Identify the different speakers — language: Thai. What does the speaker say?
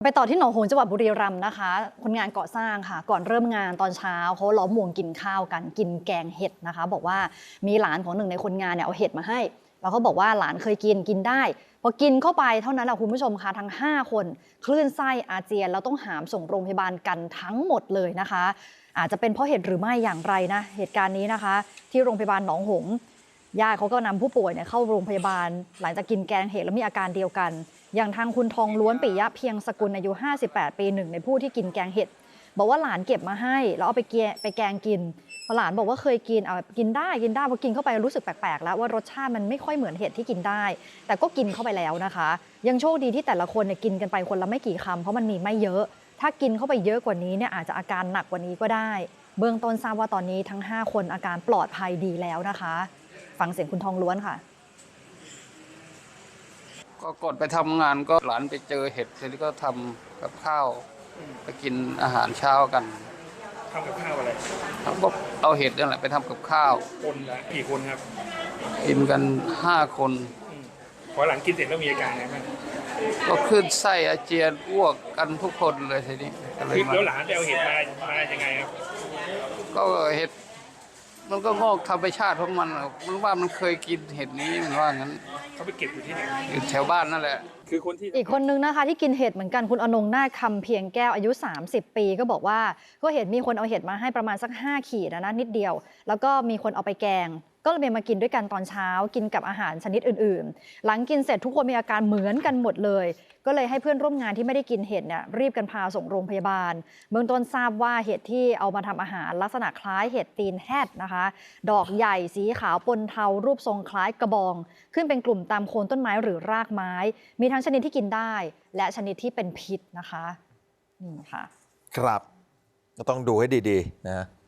Speaker 1: ไปต่อที่หนองหงส์จังหวัดบุรีรัมย์นะคะคนงานก่อสร้างค่ะก่อนเริ่มงานตอนเช้าเขาล้อมวงกินข้าวกันกินแกงเห็ดนะคะบอกว่ามีหลานของหนึ่งในคนงานเนี่ยเอาเห็ดมาให้แล้วเขาบอกว่าหลานเคยกินได้พอกินเข้าไปเท่านั้นแหละคุณผู้ชมค่ะทั้ง5คนคลื่นไส้อาเจียนแล้วต้องหามส่งโรงพยาบาลกันทั้งหมดเลยนะคะอาจจะเป็นเพราะเห็ดหรือไม่อย่างไรนะเหตุการณ์นี้นะคะที่โรงพยาบาลหนองหงส์ญาติเขาก็นำผู้ป่วยเนี่ยเข้าโรงพยาบาลหลังจากกินแกงเห็ดแล้วมีอาการเดียวกันอย่างทางคุณทองล้วนปิยะเพียงสกุลอายุ58ปีหนึ่งในผู้ที่กินแกงเห็ดบอกว่าหลานเก็บมาให้แล้วเอาไปแกงกินพอหลานบอกว่าเคยกินกินได้พอกินเข้าไปรู้สึกแปลกๆแล้วว่ารสชาติมันไม่ค่อยเหมือนเห็ดที่กินได้แต่ก็กินเข้าไปแล้วนะคะยังโชคดีที่แต่ละคนเนี่ยกินกันไปคนละไม่กี่คำเพราะมันมีไม่เยอะถ้ากินเข้าไปเยอะกว่านี้เนี่ยอาจจะอาการหนักกว่านี้ก็ได้เบื้องต้นทราบว่าตอนนี้ทั้ง5คนอาการปลอดภัยดีแล้วนะคะฟังเสียงคุณทองล้วนค่ะ
Speaker 2: ก็ก่อนไปทำงานก็หลานไปเจอเห็ดทีนี้ก็ทำกับข้าวไปกินอาหารเช้ากัน
Speaker 3: ทำกับข้าวอะไร
Speaker 2: ก็เอาเห็ดนั่นแหละไปทำกับข้าว
Speaker 3: คนละกี่คนครับ
Speaker 2: กินกัน5 คน
Speaker 3: พอหลังกินเสร็จแล้วมีอาการไงบ้าง
Speaker 2: ก็ขึ้นไส้อาเจียนอ้วกกันทุกคนเลยทีนี้
Speaker 3: แล้วหลานไปเอาเห็ดมายังไงครับ
Speaker 2: ก็เห็ดมันก็งอกธรรมชาติของมันมันว่ามันเคยกินเห็ดนี้มันว่างั้น
Speaker 3: เขาไปเก็บอยู่ที่ไหน
Speaker 2: อยู่แถวบ้านนั่นแหละ
Speaker 3: คือคนที่
Speaker 1: อีกคนนึงนะคะที่กินเห็ดเหมือนกันคุณอนงนาคคำเพียงแก้วอายุ30 ปีก็บอกว่าก็เห็นมีคนเอาเห็ดมาให้ประมาณสัก5 ขีดนะนิดเดียวแล้วก็มีคนเอาไปแกงก็เลยมากินด้วยกันตอนเช้ากินกับอาหารชนิดอื่นๆหลังกินเสร็จทุกคนมีอาการเหมือนกันหมดเลยก็เลยให้เพื่อนร่วมงานที่ไม่ได้กินเห็ดเนี่ยรีบกันพาส่งโรงพยาบาลเบื้องต้นทราบว่าเห็ดที่เอามาทำอาหารลักษณะคล้ายเห็ดตีนแฮดนะคะดอกใหญ่สีขาวปนเทารูปทรงคล้ายกระบองขึ้นเป็นกลุ่มตามโคนต้นไม้หรือรากไม้มีทั้งชนิดที่กินได้และชนิดที่เป็นพิษนะคะนี่ค่ะ
Speaker 4: ครับก็ต้องดูให้ดีๆนะ